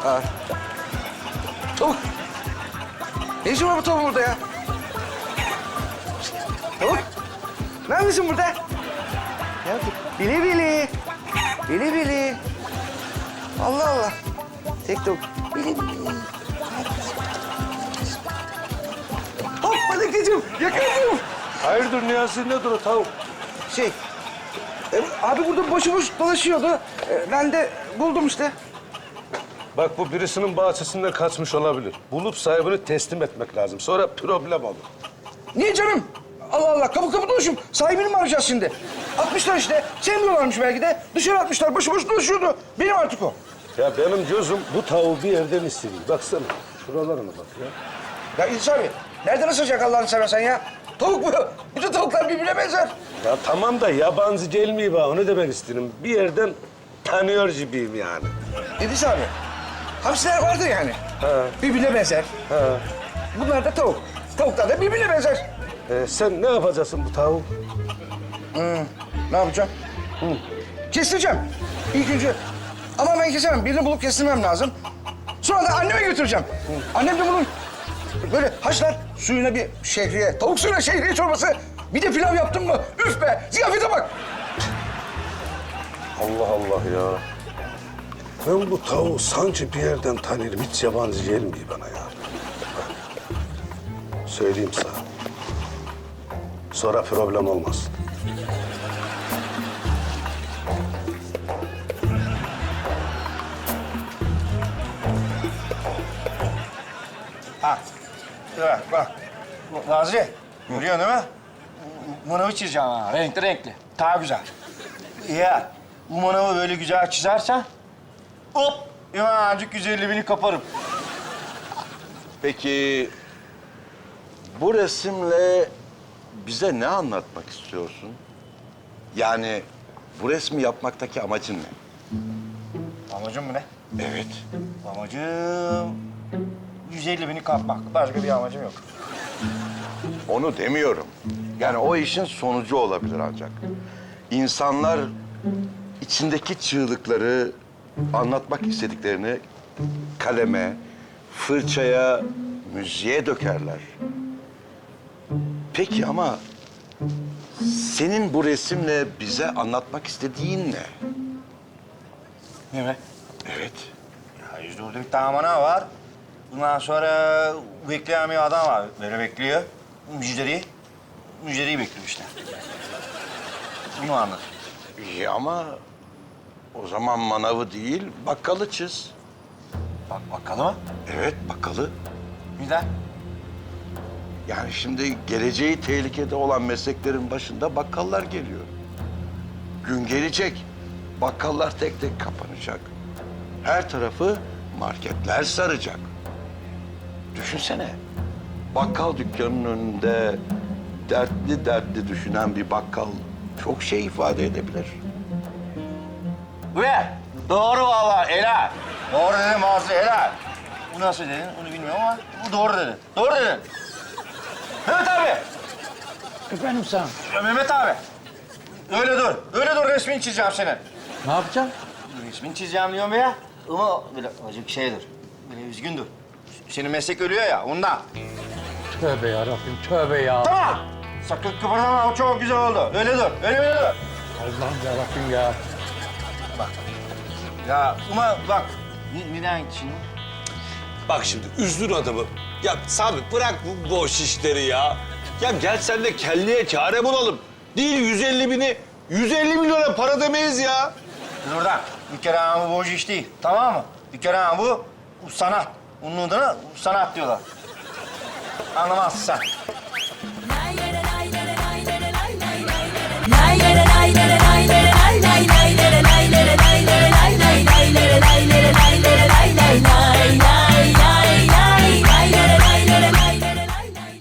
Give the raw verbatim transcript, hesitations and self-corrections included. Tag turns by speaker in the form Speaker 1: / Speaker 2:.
Speaker 1: Aa. Tavuk. Ne işin var bu tavuğun burada ya? Tavuk. Ne yapıyorsun burada? Ne yapıyorsun? Bili bili. Bili bili. Allah Allah. Tek tavuk. Bili bili. Hop Melekeciğim, yakaladım.
Speaker 2: Hayırdır Niyazi, nedir o tavuk?
Speaker 1: Şey, e, abi burada boşu boş dolaşıyordu. E, ben de buldum işte.
Speaker 2: Bak bu birisinin bahçesinden kaçmış olabilir. Bulup sahibini teslim etmek lazım. Sonra problem olur.
Speaker 1: Niye canım? Allah Allah, kapı kapı dolaşıyorum. Sahibini mi arayacağız şimdi? Atmışlar işte. Sevmiyorlarmış belki de. Dışarı atmışlar, boşu boş dolaşıyordu. Benim artık o.
Speaker 2: Ya benim gözüm bu tavuğu bir yerden istediği. Baksana, şuralarına bak ya.
Speaker 1: Ya İdris abi, nereden ısıracak Allah'ını seversen ya? Tavuk bu. Bütün tavuklar birbirine benzer.
Speaker 2: Ya tamam da yabancı gelmiyor bana, onu demek istedim. Bir yerden tanıyor gibiyim yani.
Speaker 1: İdris abi, hamsiler vardır yani.
Speaker 2: Ha.
Speaker 1: Birbirine benzer.
Speaker 2: Ha.
Speaker 1: Bunlar da tavuk. Tavuklar da birbirine benzer.
Speaker 2: Ee, sen ne yapacaksın bu tavuğu?
Speaker 1: Ne yapacağım? Hı. Kestireceğim. İlk önce. Ama ben kesemem. Birini bulup kestirmem lazım. Sonra da anneme götüreceğim. Hı. Annem de bunun böyle haşlar suyuna bir şehriye, tavuk suyuna şehriye çorbası. Bir de pilav yaptın mı? Üf be! Ziyafete bak!
Speaker 2: Allah Allah ya. Ben bu tavuğu sanki bir yerden tanırım. Hiç yabancı gelmiyor bana ya. Söyleyeyim sana. Sonra problem olmaz.
Speaker 1: Ha. Evet, bak. Nazi, görüyorsun değil mi? Manavı çizeceğim ha. Renkli renkli. Daha güzel. Ya bu manavı böyle güzel çizersen... hop! Hemencik yüz elli bini kaparım.
Speaker 3: Peki bu resimle bize ne anlatmak istiyorsun? Yani bu resmi yapmaktaki amacın ne?
Speaker 1: Amacım mı ne?
Speaker 3: Evet.
Speaker 1: Amacım... yüz elli bini kapmak. Başka bir amacım yok.
Speaker 3: Onu demiyorum. Yani o işin sonucu olabilir ancak. İnsanlar içindeki çığlıkları, anlatmak istediklerini kaleme, fırçaya, müziğe dökerler. Peki ama senin bu resimle bize anlatmak istediğin ne?
Speaker 1: Ne be?
Speaker 3: Evet.
Speaker 1: Ya yüzde orada bir tane manav var. Bundan sonra bekleyen bir adam var. Böyle bekliyor. Müjderi, müjderiyi bekliyor işte. Bunu anlat.
Speaker 3: İyi ama o zaman manavı değil, bakkalı çiz.
Speaker 1: Bak bakalım mı?
Speaker 3: Evet, bakkalı.
Speaker 1: Neden?
Speaker 3: Yani şimdi geleceği tehlikede olan mesleklerin başında bakkallar geliyor. Gün gelecek, bakkallar tek tek kapanacak. Her tarafı marketler saracak. Düşünsene, bakkal dükkanının önünde dertli dertli düşünen bir bakkal çok şey ifade edebilir.
Speaker 1: Ve doğru vallahi helal. Doğru dedim Mazlı helal. Bu nasıl dedin onu bilmiyorum ama bu doğru dedin. Doğru dedin. Mehmet abi.
Speaker 4: Efendim sen?
Speaker 1: Ya Mehmet abi. Öyle dur. Öyle dur resmini çizeceğim senin.
Speaker 4: Ne yapacaksın?
Speaker 1: Resmini çizeceğim diyorum ya. Ama böyle acık şeydir. Böyle üzgündür. Senin meslek ölüyor ya ondan.
Speaker 4: Tövbe yarabbim, tövbe ya.
Speaker 1: Tamam. Sakın kıpırdama o çok güzel oldu. Öyle dur. Öyle öyle dur.
Speaker 4: Allah'ım yarabbim ya.
Speaker 1: Ya ama bak. Ne- Neden şimdi?
Speaker 5: Bak şimdi üzdün adamı. Ya Sami bırak bu boş işleri ya. Ya gel sen de kelleye kâre bulalım. Değil yüz elli bini, yüz elli milyona para demeyiz ya.
Speaker 1: Dur oradan. Bir kere ama bu boş iş değil. Tamam mı? Bir kere ama bu, bu sanat. Bunun adına sanat diyorlar. Anlamazsın sen.